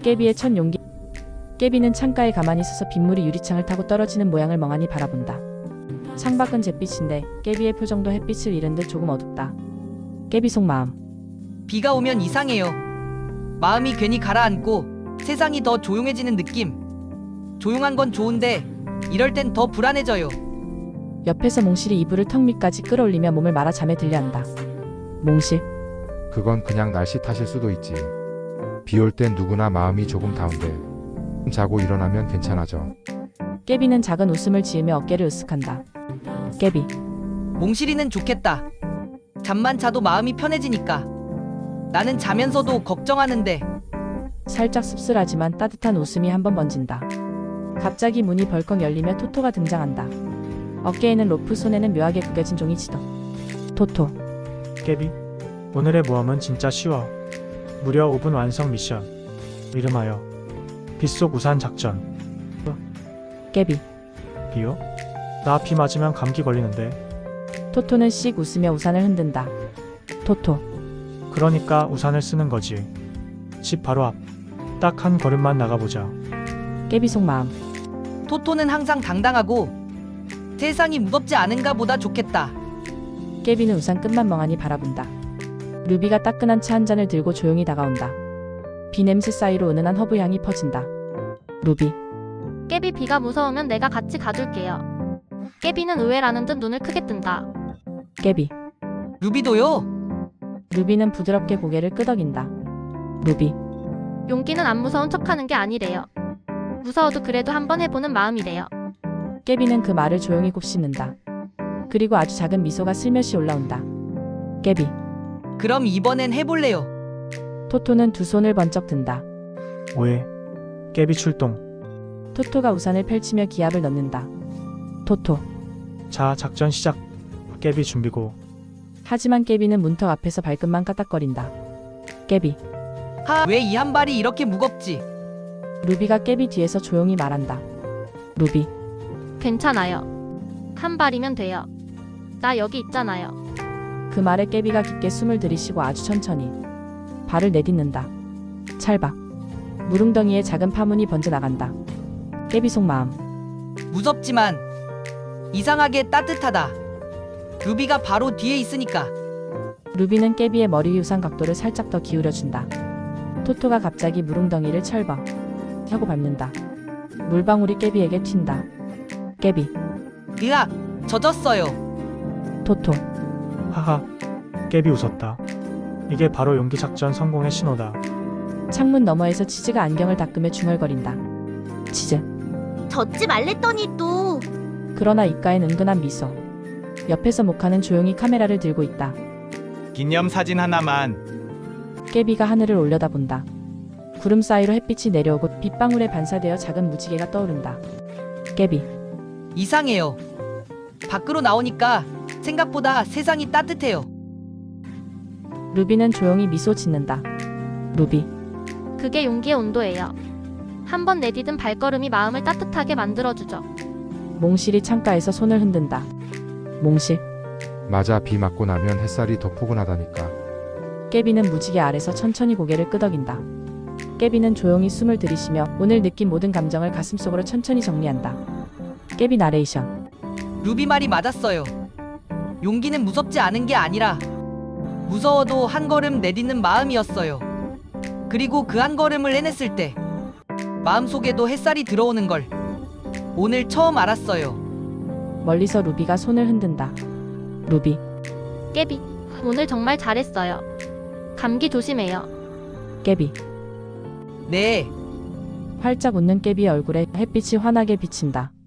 깨비의 첫 용기. 깨비는 창가에 가만히 서서 빗물이 유리창을 타고 떨어지는 모양을 멍하니 바라본다. 창밖은 잿빛인데 깨비의 표정도 햇빛을 잃은 듯 조금 어둡다. 깨비 속마음. 비가 오면 이상해요. 마음이 괜히 가라앉고 세상이 더 조용해지는 느낌. 조용한 건 좋은데 이럴 땐 더 불안해져요. 옆에서 몽실이 이불을 턱 밑까지 끌어올리며 몸을 말아 잠에 들려한다. 몽실. 그건 그냥 날씨 탓일 수도 있지. 비 올 땐 누구나 마음이 조금 다운돼. 자고 일어나면 괜찮아져. 깨비는 작은 웃음을 지으며 어깨를 으쓱한다. 깨비. 몽실이는 좋겠다. 잠만 자도 마음이 편해지니까. 나는 자면서도 걱정하는데. 살짝 씁쓸하지만 따뜻한 웃음이 한번 번진다. 갑자기 문이 벌컥 열리며 토토가 등장한다. 어깨에는 로프, 손에는 묘하게 구겨진 종이 지도. 토토. 깨비, 오늘의 모험은 진짜 쉬워. 무려 5분 완성 미션. 이름하여 빗속 우산 작전. 깨비. 비요? 나 비 맞으면 감기 걸리는데. 토토는 씩 웃으며 우산을 흔든다. 토토. 그러니까 우산을 쓰는 거지. 집 바로 앞. 딱 한 걸음만 나가보자. 깨비 속마음. 토토는 항상 당당하고 세상이 무겁지 않은가 보다 좋겠다. 깨비는 우산 끝만 멍하니 바라본다. 루비가 따끈한 차 한 잔을 들고 조용히 다가온다. 비 냄새 사이로 은은한 허브 향이 퍼진다. 루비. 깨비, 비가 무서우면 내가 같이 가줄게요. 깨비는 의외라는 듯 눈을 크게 뜬다. 깨비. 루비도요? 루비는 부드럽게 고개를 끄덕인다. 루비. 용기는 안 무서운 척하는 게 아니래요. 무서워도 그래도 한번 해보는 마음이래요. 깨비는 그 말을 조용히 곱씹는다. 그리고 아주 작은 미소가 슬며시 올라온다. 깨비. 그럼 이번엔 해볼래요. 토토는 두 손을 번쩍 든다. 오해. 깨비 출동. 토토가 우산을 펼치며 기압을 넣는다. 토토. 자, 작전 시작. 깨비 준비고. 하지만 깨비는 문턱 앞에서 발끝만 까딱거린다. 깨비. 왜 이 한 발이 이렇게 무겁지? 루비가 깨비 뒤에서 조용히 말한다. 루비. 괜찮아요. 한 발이면 돼요. 나 여기 있잖아요. 그 말에 깨비가 깊게 숨을 들이쉬고 아주 천천히 발을 내딛는다. 찰박. 무릉덩이에 작은 파문이 번져나간다. 깨비 속마음. 무섭지만 이상하게 따뜻하다. 루비가 바로 뒤에 있으니까. 루비는 깨비의 머리 위 우산 각도를 살짝 더 기울여준다. 토토가 갑자기 무릉덩이를 철벅 하고 밟는다. 물방울이 깨비에게 튄다. 깨비. 으악, 젖었어요. 토토. 하하. 깨비 웃었다. 이게 바로 용기 작전 성공의 신호다. 창문 너머에서 치즈가 안경을 닦으며 중얼거린다. 치즈. 젖지 말랬더니 또. 그러나 입가엔 은근한 미소. 옆에서 모카는 조용히 카메라를 들고 있다. 기념사진 하나만. 깨비가 하늘을 올려다본다. 구름 사이로 햇빛이 내려오고 빗방울에 반사되어 작은 무지개가 떠오른다. 깨비. 이상해요. 밖으로 나오니까 생각보다 세상이 따뜻해요. 루비는 조용히 미소 짓는다. 루비. 그게 용기의 온도예요. 한번 내디딘 발걸음이 마음을 따뜻하게 만들어주죠. 몽실이 창가에서 손을 흔든다. 몽실. 맞아, 비 맞고 나면 햇살이 더 포근하다니까. 깨비는 무지개 아래서 천천히 고개를 끄덕인다. 깨비는 조용히 숨을 들이쉬며 오늘 느낀 모든 감정을 가슴속으로 천천히 정리한다. 깨비 나레이션. 루비 말이 맞았어요. 용기는 무섭지 않은 게 아니라 무서워도 한 걸음 내딛는 마음이었어요. 그리고 그 한 걸음을 해냈을 때 마음속에도 햇살이 들어오는 걸 오늘 처음 알았어요. 멀리서 루비가 손을 흔든다. 루비. 깨비, 오늘 정말 잘했어요. 감기 조심해요. 깨비. 네. 활짝 웃는 깨비의 얼굴에 햇빛이 환하게 비친다.